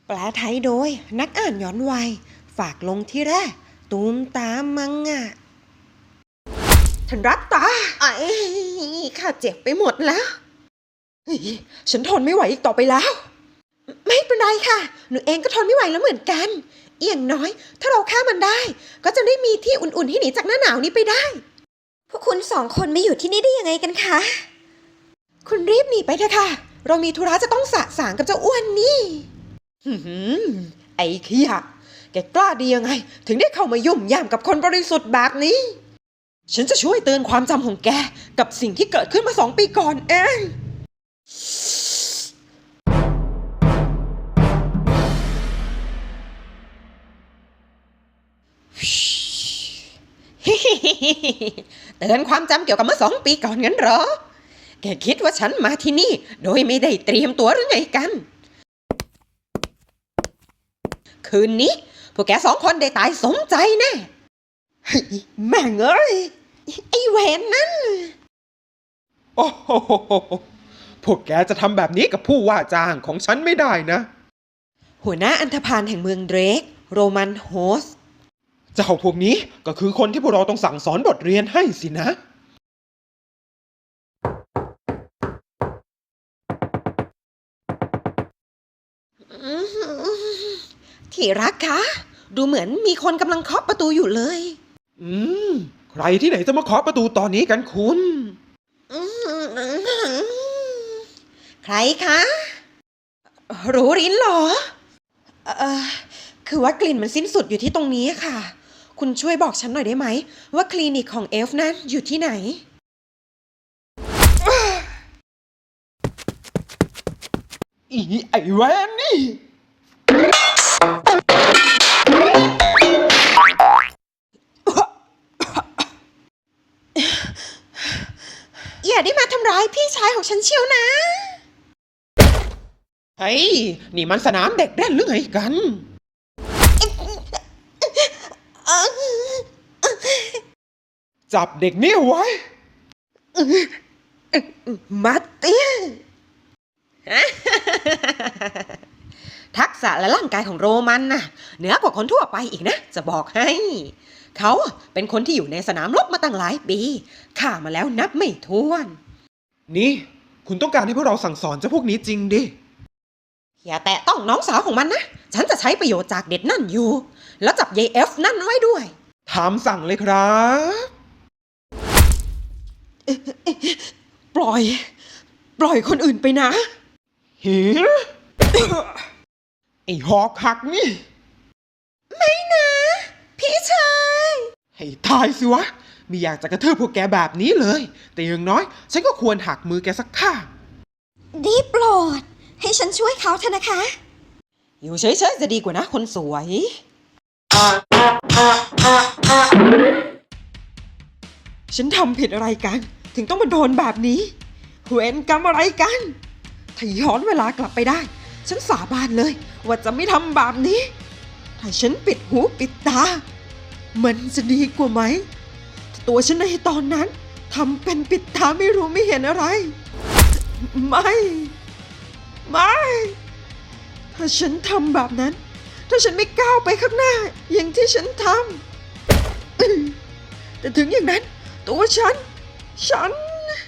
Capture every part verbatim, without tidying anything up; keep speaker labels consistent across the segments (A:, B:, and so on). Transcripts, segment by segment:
A: แปลไทยโดยนักอ่านย้อนวัยฝากลงที่แรกตูมตามมังงะท่านรัตตาไอ้ข้าเจ็บไปหมดแล้วฉันทนไม่ไหวอีกต่อไปแล้วไม่เป็นไรค่ะหนูเองก็ทนไม่ไหวแล้วเหมือนกันเอียงน้อยถ้าเราฆ่ามันได้ก็จะได้มีที่อุ่นๆที่หนีจากหน้าหนาวนี้ไปได้พวกคุณสองคนไม่อยู่ที่นี่ได้ยังไงกันคะคุณรีบหนีไปเถอะค่ะเรามีธุระจะต้องสะสางกับเจ้าอ้วนนี่ไอ้ขี้ยะแกกล้าดียังไงถึงได้เข้ามายุ่มย่ามกับคนบริสุทธิ์แบบนี้ฉันจะช่วยเตือนความจำของแกกับสิ่งที่เกิดขึ้นมาสองปีก่อนเองเตือนความจำเกี่ยวกับเมื่อสองปีก่อนงั้นเหรอแกคิดว่าฉันมาที่นี่โดยไม่ได้เตรียมตัวหรือไงกันคืนนี้พวกแกสองคนได้ตายสมใจแน่แม่งเอ้ยไอ้เวนนั่น
B: โอ้โหพวกแกจะทำแบบนี้กับผู้ว่าจ้างของฉันไม่ได้นะ
A: หัวหน้าอันธพาลแห่งเมืองเดรกโรมันโฮส
B: เจ้าพวกนี้ก็คือคนที่พวกเราต้องสั่งสอนบทเรียนให้สินะ
A: ที่รักคะดูเหมือนมีคนกำลังเคาะประตูอยู่เลย
B: อืมใครที่ไหนจะมาเคาะประตูตอนนี้กันคุณ
A: ใครคะรู้รินเหรอเออคือว่ากลิ่นมันสิ้นสุดอยู่ที่ตรงนี้ค่ะคุณช่วยบอกฉันหน่อยได้ไหมว่าคลินิกของเอฟนั้นอยู่ที่ไหน
B: อีไอ้แวนนี่
A: อย่าได้มาทำร้ายพี่ชายของฉันเชียวนะ
B: เฮ้ยนี่มันสนามเด็กเล่นหรือไงกันจับเด็กนี่ไว้
A: มาเตี้ยทักษะและร่างกายของโรมันน่ะเหนือกว่าคนทั่วไปอีกนะจะบอกให้เขาเป็นคนที่อยู่ในสนามรบมาตั้งหลายปีฆ่ามาแล้วนับไม่ถ้วน
B: นี่คุณต้องการให้พวกเราสั่งสอนเจ้าพวกนี้จริงดิ
A: อย่าแตะต้องน้องสาวของมันนะฉันจะใช้ประโยชน์จากเด็ดนั่นอยู่แล้วจับยายเอฟนั่นไว้ด้วย
B: ถามสั่งเลยครับ
A: ปล่อยปล่อยคนอื่นไปนะ
B: หิไอ้หอกหักนี่
A: ไม่นะพี่ชาย
B: ให้ตายสิวะไม่อยากจะกระทืบพวกแกแบบนี้เลยแต่อย่างน้อยฉันก็ควรหักมือแกสักข้าง
A: ดีโปรดให้ฉันช่วยเขาเถอะนะคะอยู่เฉยๆจะดีกว่านะคนสวยฉันทำผิดอะไรกันถึงต้องมาโดนแบบนี้เวรกรรมอะไรกันถ้าย้อนเวลากลับไปได้ฉันสาบานเลยว่าจะไม่ทำแบบนี้ถ้าฉันปิดหูปิดตามันจะดีกว่าไหมถ้าตัวฉันในตอนนั้นทำเป็นปิดตาไม่รู้ไม่เห็นอะไรไม่ไม่ถ้าฉันทำแบบนั้นถ้าฉันไม่ก้าวไปข้างหน้าอย่างที่ฉันทำแต่ถึงอย่างนั้นตัวฉันฉัน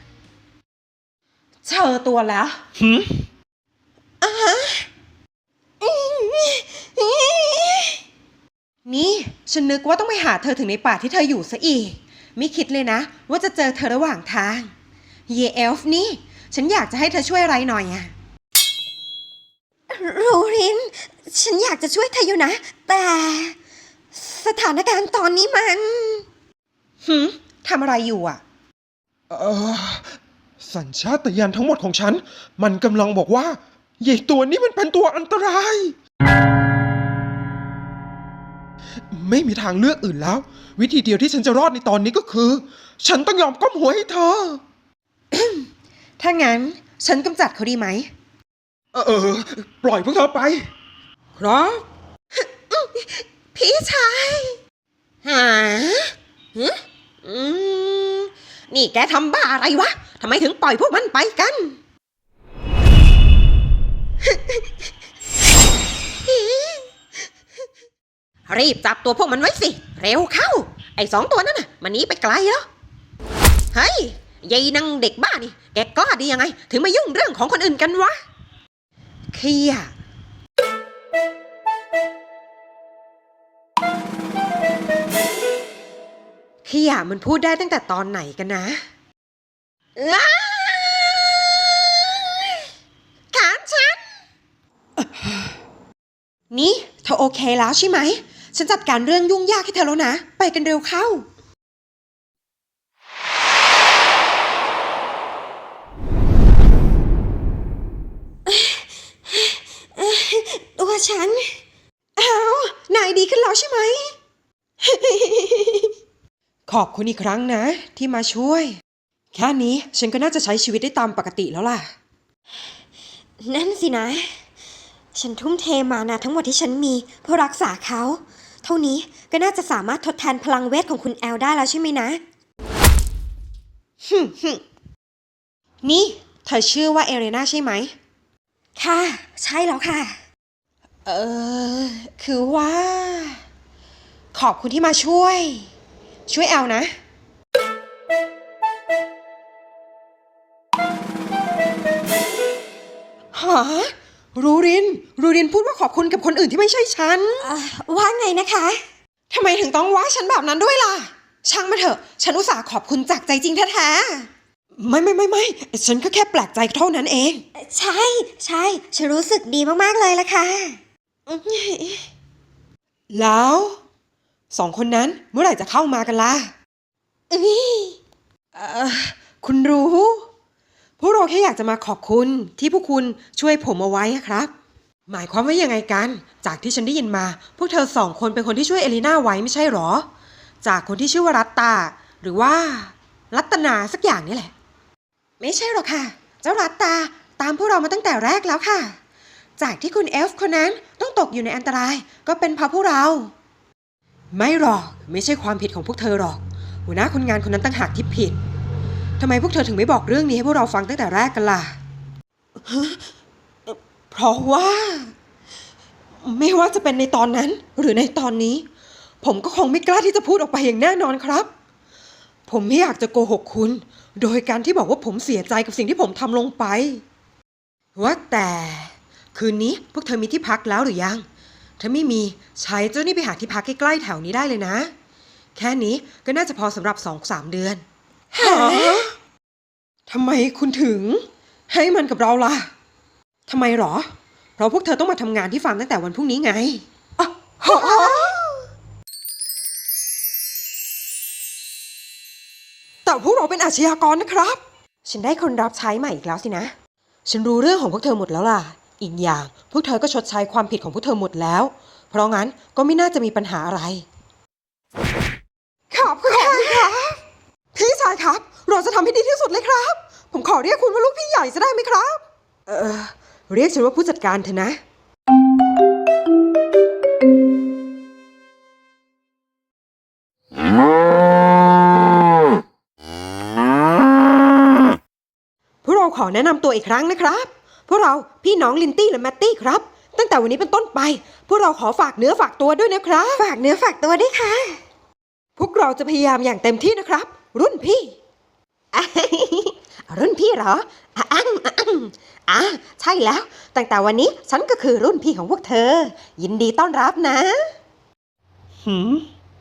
A: เจอตัวแล้ว
B: หืม
A: อ่ะนี่ฉันนึกว่าต้องไปหาเธอถึงในป่าที่เธออยู่ซะอีกไม่คิดเลยนะว่าจะเจอเธอระหว่างทางเยเอลฟ์นี่ฉันอยากจะให้เธอช่วยอะไรหน่อยอะโรรินฉันอยากจะช่วยเธออยู่นะแต่สถานการณ์ตอนนี้มันหืมทำอะไรอยู่อ่ะ
B: เออสัญชาตญาณทั้งหมดของฉันมันกำลังบอกว่าใหญ่ตัวนี้มันเป็นตัวอันตรายไม่มีทางเลือกอื่นแล้ววิธีเดียวที่ฉันจะรอดในตอนนี้ก็คือฉันต้องยอมก้มหัวให้เธอ
A: ถ้างั้นฉันกำจัดเขาดีไหม
B: เออเออปล่อยพวกเธอไปครับ
A: พี่ชายหาอืมนี่แกทำบ้าอะไรวะทำไมถึงปล่อยพวกมันไปกัน พี่รีบจับตัวพวกมันไว้สิ เร็วเข้า ไอ้สองตัวนั่นน่ะมันหนีไปไกลแล้ว เฮ้ยยายนางเด็กบ้านี่ แกกล้าดียังไง ถึงมายุ่งเรื่องของคนอื่นกันวะเคียเคียมันพูดได้ตั้งแต่ตอนไหนกันนะขาฉัน นี่เธอโอเคแล้วใช่ไหม ฉันจัดการเรื่องยุ่งยากให้เธอแล้วนะ ไปกันเร็วเข้า ตัวฉัน อ้าวนายดีขึ้นแล้วใช่ไหม ขอบคุณอีกครั้งนะที่มาช่วย แค่นี้ฉันก็น่าจะใช้ชีวิตได้ตามปกติแล้วล่ะ นั่นสินะ ฉันทุ่มเทมานะทั้งหมดที่ฉันมีเพื่อรักษาเขา เท่านี้ก็น่าจะสามารถทดแทนพลังเวทของคุณแอลได้แล้วใช่ไหมนะฮึฮึนี่เธอชื่อว่าเอเรนาใช่ไหม ค่ะ ใช่แล้วค่ะ เออ คือว่า ขอบคุณที่มาช่วย ช่วยแอลนะ หารูริน รูรินพูดว่าขอบคุณกับคนอื่นที่ไม่ใช่ฉัน ว่าไงนะคะทำไมถึงต้องว่าฉันแบบนั้นด้วยล่ะ ช่างมาเถอะ ฉันอุตส่าห์ขอบคุณจากใจจริงแท้ๆ ไม่ไม่ไม่ไม่ ฉันก็แค่แปลกใจเท่านั้นเอง ใช่ ใช่ ฉันรู้สึกดีมากๆเลยล่ะค่ะ แล้วสองคนนั้นเมื่อไหร่จะเข้ามากันล่ะเอ้ยเอ่อคุณรู้ พวกเราแค่อยากจะมาขอบคุณที่พวกคุณช่วยผมเอาไว้ครับ หมายความว่ายังไงกัน จากที่ฉันได้ยินมา พวกเธอสองคนเป็นคนที่ช่วยเอลิน่าไว้ไม่ใช่หรอ จากคนที่ชื่อว่ารัตตาหรือว่ารัตนาสักอย่างนี่แหละ ไม่ใช่หรอกค่ะ เจ้ารัตตาตามพวกเรามาตั้งแต่แรกแล้วค่ะ จากที่คุณเอลฟ์คนนั้นต้องตกอยู่ในอันตรายก็เป็นเพราะพวกเรา ไม่หรอกไม่ใช่ความผิดของพวกเธอหรอกหัวหน้าคนงานคนนั้นต่างหากที่ผิดทำไมพวกเธอถึงไม่บอกเรื่องนี้ให้พวกเราฟังตั้งแต่แรกกันล่ะ เพราะว่า ไม่ว่าจะเป็นในตอนนั้นหรือในตอนนี้ ผมก็คงไม่กล้าที่จะพูดออกไปอย่างแน่นอนครับ ผมไม่อยากจะโกหกคุณ โดยการที่บอกว่าผมเสียใจกับสิ่งที่ผมทำลงไปว่าแต่คืนนี้พวกเธอมีที่พักแล้วหรือยังถ้าไม่มีใช้เจ้านี่ไปหาที่พักใกล้ๆแถวนี้ได้เลยนะแค่นี้ก็น่าจะพอสำหรับ สองถึงสาม เดือนฮะทำไมคุณถึงให้มันกับเราล่ะทำไมหรอเพราะพวกเธอต้องมาทำงานที่ฟาร์มตั้งแต่วันพรุ่งนี้ไงอ๋อแต่พวกเราเป็นอาชญากรนะครับฉันได้คนรับใช้ใหม่อีกแล้วสินะฉันรู้เรื่องของพวกเธอหมดแล้วล่ะอีกอย่างพวกเธอก็ชดใช้ความผิดของพวกเธอหมดแล้วเพราะงั้นก็ไม่น่าจะมีปัญหาอะไรขอบคุณครับพี่ชายครับเราจะทำให้ดีที่สุดเลยครับผมขอเรียกคุณว่าลูกพี่ใหญ่จะได้ไหมครับเออเรียกฉันว่าผู้จัดการเถอะนะพวกเราขอแนะนำตัวอีกครั้งนะครับพวกเราพี่น้องลินตี้และแมตตี้ครับตั้งแต่วันนี้เป็นต้นไปพวกเราขอฝากเนื้อฝากตัวด้วยนะครับฝากเนื้อฝากตัวด้วยค่ะพวกเราจะพยายามอย่างเต็มที่นะครับรุ่นพี่ รุ่นพี่เหรออ่ะอ่ะอ่ะใช่แล้วตั้งแต่วันนี้ฉันก็คือรุ่นพี่ของพวกเธอยินดีต้อนรับนะ
B: หืม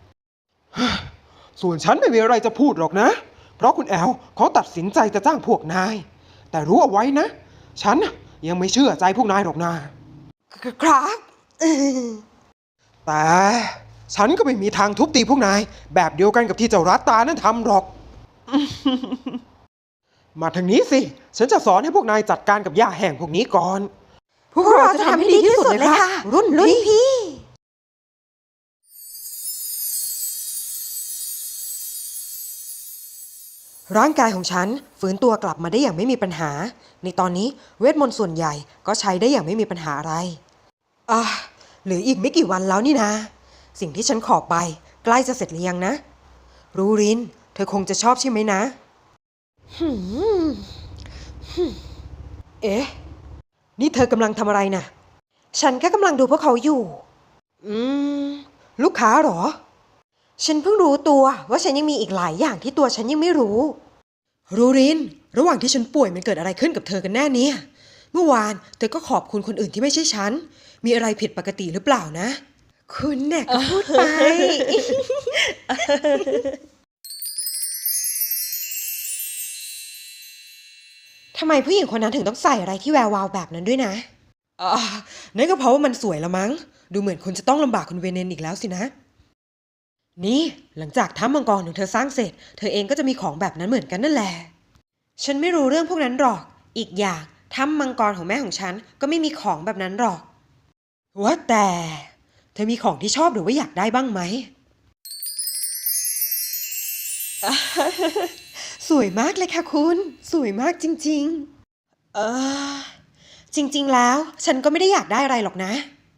B: ส่วนฉันไม่มีอะไรจะพูดหรอกนะเพราะคุณแอลเขาตัดสินใจจะจ้างพวกนายแต่รู้เอาไว้นะฉันยังไม่เชื่อใจพวกนายหรอกนะครับแต่ฉันก็ไม่มีทางทุบตีพวกนายแบบเดียวกันกับที่เจ้ารัตตานั้นทำหรอก มาทางนี้สิฉันจะสอนให้พวกนายจัดการกับหญ้าแห้งพวกนี้ก่อนพวกเราจะทำให้ดีที่สุดเลยค่ะรุ่นพี่ร่างกายของฉันฟื้นตัวกลับมาได้อย่างไม่มีปัญหาในตอนนี้เวทมนต์ส่วนใหญ่ก็ใช้ได้อย่างไม่มีปัญหาอะไรอ่ะเหลืออีกไม่กี่วันแล้วนี่นะสิ่งที่ฉันขอไปใกล้จะเสร็จหรือยังนะรูรินเธอคงจะชอบใช่ไหมนะเอ๊ะนี่เธอกำลังทำอะไรนะฉันแค่กำลังดูพวกเขาอยู่อืมลูกค้าเหรอ
A: ฉันเพิ่งรู้ตัวว่าฉันยังมีอีกหลายอย่างที่ตัวฉันยังไม่รู้
B: รูริน ระหว่างที่ฉันป่วยมันเกิดอะไรขึ้นกับเธอกันแน่เนี่ย เมื่อวานเธอก็ขอบคุณคนอื่นที่ไม่ใช่ฉัน มีอะไรผิดปกติหรือเปล่านะ
A: คุณเนี่ยก็พูดไป ทำไมผู้หญิงคนนั้นถึงต้องใส่อะไรที่แวววาวแบบนั้นด้วยนะ
B: อ่านั่นก็เพราะว่ามันสวยละมั้ง ดูเหมือนคุณจะต้องลำบากคุณเวเนนอีกแล้วสินะ นี่หลังจากถ้ำมังกรของเธอสร้างเสร็จ เธอเองก็จะมีของแบบนั้นเหมือนกันนั่นแหละ
A: ฉันไม่รู้เรื่องพวกนั้นหรอก อีกอย่างถ้ำมังกรของแม่ของฉันก็ไม่มีของแบบนั้นหรอก
B: ว่าแต่เธอมีของที่ชอบหรือว่าอยากได้บ้างไหม
A: สวยมากเลยค่ะคุณ สวยมากจริงๆ เออ จริงๆแล้วฉันก็ไม่ได้อยากได้อะไรหรอกนะ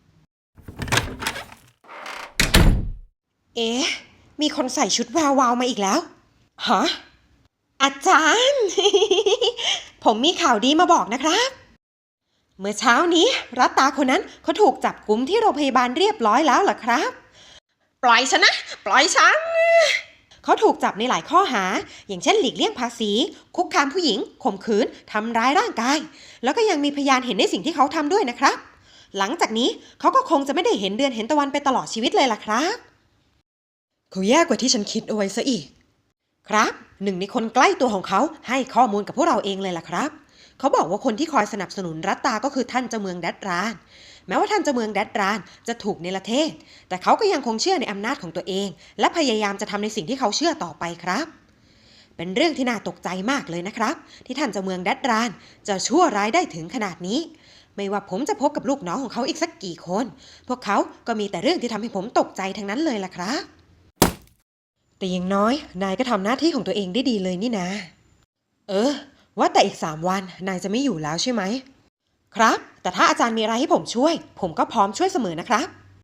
A: เอ๊ะ มีคนใส่ชุดวาวๆมาอีกแล้ว
B: ฮะ
A: อาจารย์ ผมมีข่าวดีมาบอกนะครับ เมื่อเช้านี้รัตตาคนนั้นเขาถูกจับกุมที่โรงพยาบาลเรียบร้อยแล้วล่ะครับ ปล่อยฉันนะ ปล่อยฉัน เขาถูกจับในหลายข้อหา อย่างเช่นหลีกเลี่ยงภาษี คุกคามผู้หญิง ข่มขืน ทำร้ายร่างกาย แล้วก็ยังมีพยานเห็นในสิ่งที่เขาทำด้วยนะครับ หลังจากนี้เขาก็คงจะไม่ได้เห็นเดือนเห็นตะวันไปตลอดชีวิตเลยล่ะครับ
B: เขาแย่กว่าที่ฉันคิดเอาไว้ซะอีก
A: ครับหนึ่งในคนใกล้ตัวของเขาให้ข้อมูลกับพวกเราเองเลยล่ะครับเขาบอกว่าคนที่คอยสนับสนุนรัตตาก็คือท่านเจ้าเมืองแดดรานแม้ว่าท่านเจ้าเมืองแดดรานจะถูกเนรเทศแต่เขาก็ยังคงเชื่อในอำนาจของตัวเองและพยายามจะทำในสิ่งที่เขาเชื่อต่อไปครับเป็นเรื่องที่น่าตกใจมากเลยนะครับที่ท่านเจ้าเมืองแดดรานจะชั่วร้ายได้ถึงขนาดนี้ไม่ว่าผมจะพบกับลูกน้องของเขาอีกสักกี่คนพวกเขาก็มีแต่เรื่องที่ทำให้ผมตกใจทั้งนั้นเลยล่ะครับ
B: แต่อย่างน้อยนายก็ทำหน้าที่ของตัวเองได้ดีเลยนี่นะ เออ ว่าแต่อีกสามวันนายจะไม่อยู่แล้วใช่ไหม
A: ครับแต่ถ้าอาจารย์มีอะไรให้ผมช่วยผมก็พร้อมช่วยเสมอนะครับ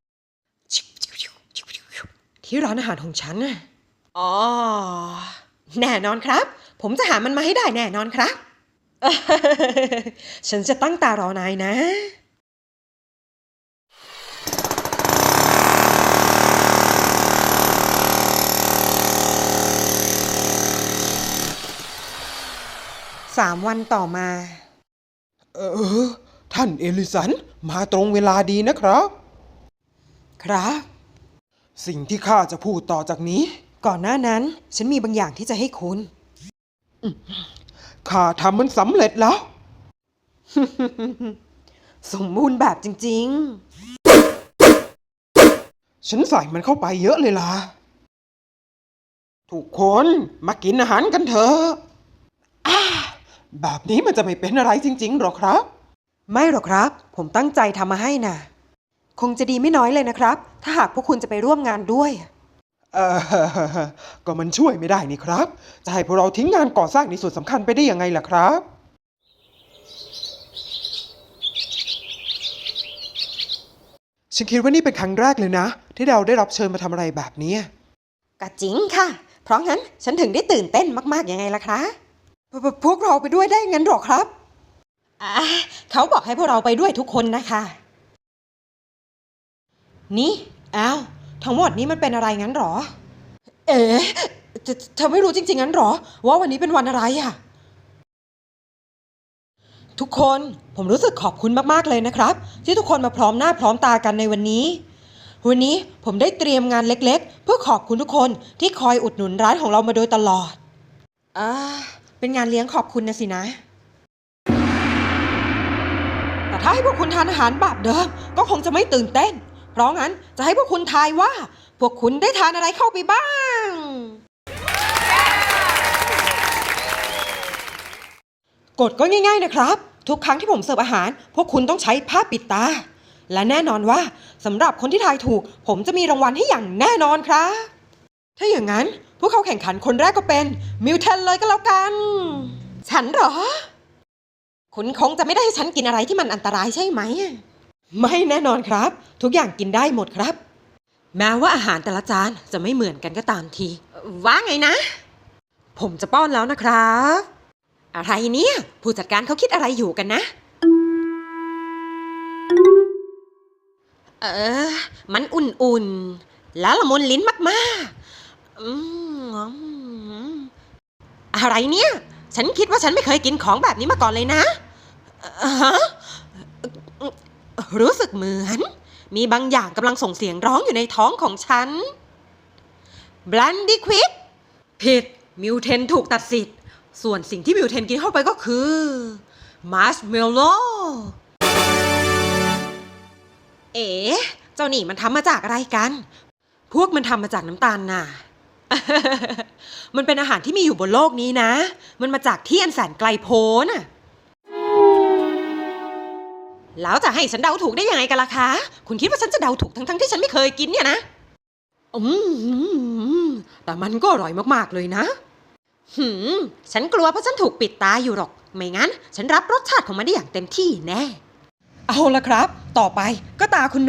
B: ที่ร้านอาหารของฉันน่ะ
A: อ๋อแน่นอนครับผมจะหามันมาให้ได้แน่นอนครับ
B: ฉันจะตั้งตารอนายนะ
A: สามวันต่อมา
B: เออ ท่านเอลิสันมาตรงเวลาดีนะครับ ครับ สิ่งที่ข้าจะพูดต่อจากนี้ ก่อนหน้านั้น ฉันมีบางอย่างที่จะให้คุณ ข้าทำมันสำเร็จแล้ว
A: สมบูรณ์แบบจริง
B: ฉันใส่มันเข้าไปเยอะเลยล่ะ ทุกคนมากินอาหารกันเถอะอ่าแบบนี้มันจะไม่เป็นอะไรจริงๆหรอครับ ไม่หรอกครับ ผมตั้งใจทำมาให้น่ะ คงจะดีไม่น้อยเลยนะครับ ถ้าหากพวกคุณจะไปร่วมงานด้วย เออ ก็มันช่วยไม่ได้นี่ครับ จะให้พวกเราทิ้งงานก่อสร้างในส่วนสำคัญไปได้ยังไงล่ะครับ ฉันคิดว่านี่เป็นครั้งแรกเลยนะ ที่เราได้รับเชิญมาทำอะไรแบบนี้
A: ๆก็จริงค่ะ เพราะงั้นฉันถึงได้ตื่นเต้นมากๆยังไงล่ะคะ
B: พวพวกเราไปด้วยได้งั้นหรอครับ
A: อ่าเขาบอกให้พวกเราไปด้วยทุกคนนะคะ นี่อ้าวทั้งหมดนี้มันเป็นอะไรงั้นหรอ
B: เอ๋เธอเธอไม่รู้จริงๆงั้นหรอ ว่าวันนี้เป็นวันอะไรอะทุกคนผมรู้สึกขอบคุณมากๆเลยนะครับ ที่ทุกคนมาพร้อมหน้าพร้อมตากันในวันนี้ วันนี้ผมได้เตรียมงานเล็กๆ เพื่อขอบคุณทุกคนที่คอยอุดหนุนร้านของเรามาโดยตลอด
A: อ่า เป็นงานเลี้ยงขอบคุณนะสินะ
B: แต่ถ้าให้พวกคุณทานอาหารแบบเดิมก็คงจะไม่ตื่นเต้น เพราะงั้นจะให้พวกคุณทายว่า พวกคุณได้ทานอะไรเข้าไปบ้าง กฎก็ง่ายๆนะครับ ทุกครั้งที่ผมเสิร์ฟอาหาร พวกคุณต้องใช้ผ้าปิดตา และแน่นอนว่าสำหรับคนที่ทายถูก ผมจะมีรางวัลให้อย่างแน่นอนครับ ถ้าอย่างนั้นพวกเขาแข่งขันคนแรกก็เป็นมิวเทนเลยก็แล้วกัน
A: ฉันเหรอ คุณคงจะไม่ได้ให้ฉันกินอะไรที่มันอันตรายใช่ไหม
B: ไม่แน่นอนครับ ทุกอย่างกินได้หมดครับ แม้ว่าอาหารแต่ละจานจะไม่เหมือนกันก็ตามที
A: ว่าไงนะ
B: ผมจะป้อนแล้วนะครับ
A: อะไรเนี่ย ผู้จัดการเขาคิดอะไรอยู่กันนะ เออ มันอุ่นๆแล้วละมุนลิ้นมากๆอืมอะไรเนี่ยฉันคิดว่าฉันไม่เคยกินของแบบนี้มาก่อนเลยนะฮะรู้สึกเหมือนมีบางอย่างกำลังส่งเสียงร้องอยู่ในท้องของฉันบลันดี้ควิกผิดมิวเทนถูกตัดสิทธิ์ส่วนสิ่งที่มิวเทนกินเข้าไปก็คือมาร์ชเมลโล่เอ๋เจ้านี่มันทำมาจากอะไรกันพวกมันทำมาจากน้ำตาลน่ะ มันเป็นอาหารที่มีอยู่บนโลกนี้นะมันมาจากที่อันแสนไกลโพ้นน่ะแล้วจะให้ฉันเดาถูกได้ยังไงกันล่ะคะคุณคิดว่าฉันจะเดาถูกทั้งๆที่ฉันไม่เคยกินเนี่ยนะอืมแต่มันก็อร่อยมากๆเลยนะหืมฉันกลัวเพราะฉันถูกปิดตาอยู่หรอกไม่งั้นฉันรับรสชาติของมันได้อย่างเต็มที่แน่เอาละครับต่อไปก็ตาคุณโน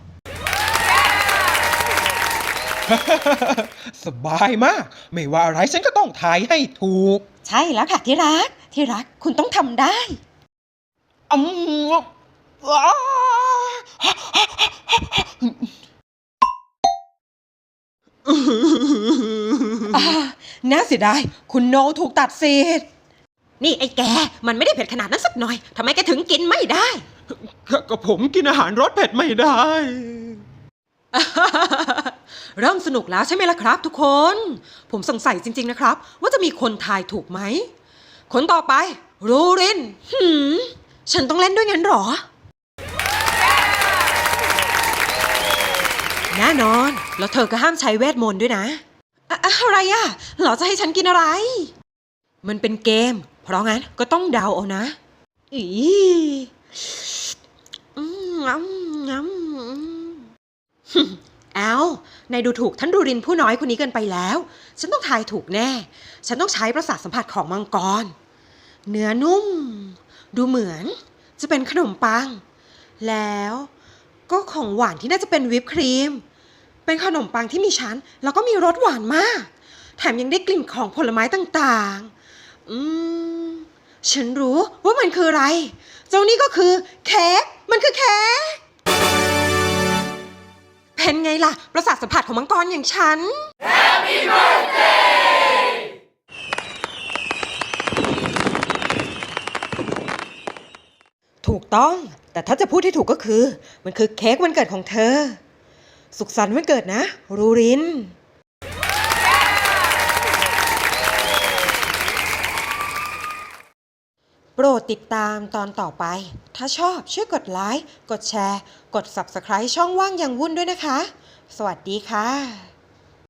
B: สบายมาก ไม่ว่าอะไรฉันก็ต้องทายให้ถูก
A: ใช่แล้วค่ะที่รักที่รักคุณต้องทำได้
B: อืมอ้า
A: อ่าน่าเสียดายคุณโนถูกตัดสิทธิ์นี่ไอ้แกมันไม่ได้เผ็ดขนาดนั้นสักหน่อยทำไมแกถึงกินไม่ได้
B: ก็ผมกินอาหารรสเผ็ดไม่ได้
A: เริ่มสนุกแล้วใช่ไหมล่ะครับทุกคน ผมสงสัยจริงๆนะครับว่าจะมีคนทายถูกไหมคนต่อไปรูรินหืมฉันต้องเล่นด้วยงั้นหรอ แน่นอนแล้วเธอก็ห้ามใช้เวทมนต์ด้วยนะอะอะไรอ่ะเหรอจะให้ฉันกินอะไร มันเป็นเกมเพราะงั้นก็ต้องเดาเอานะอีอืมงำงำเอานายดูถูกท่านดูรินผู้น้อยคนนี้เกินไปแล้วฉันต้องทายถูกแน่ฉันต้องใช้ประสาทสัมผัสของมังกรเนื้อนุ่มดูเหมือนจะเป็นขนมปังแล้วก็ของหวานที่น่าจะเป็นวิปครีมเป็นขนมปังที่มีชั้นแล้วก็มีรสหวานมากแถมยังได้กลิ่นของผลไม้ต่างๆอืมฉันรู้ว่ามันคืออะไรเจ้านี่ก็คือเค้กมันคือเค้กเป็นไงล่ะประสาทสัมผัสของมังกรอย่างฉัน Happy birthday ถูกต้องแต่ถ้าจะพูดที่ถูกก็คือมันคือเค้กวันเกิดของเธอสุขสันต์วันเกิดนะรูรินโปรดติดตามตอนต่อไปถ้าชอบช่วยกดไลค์กดแชร์กด ซับสไครบ์ ช่องว่างยังวุ่นด้วยนะคะสวัสดีค่ะ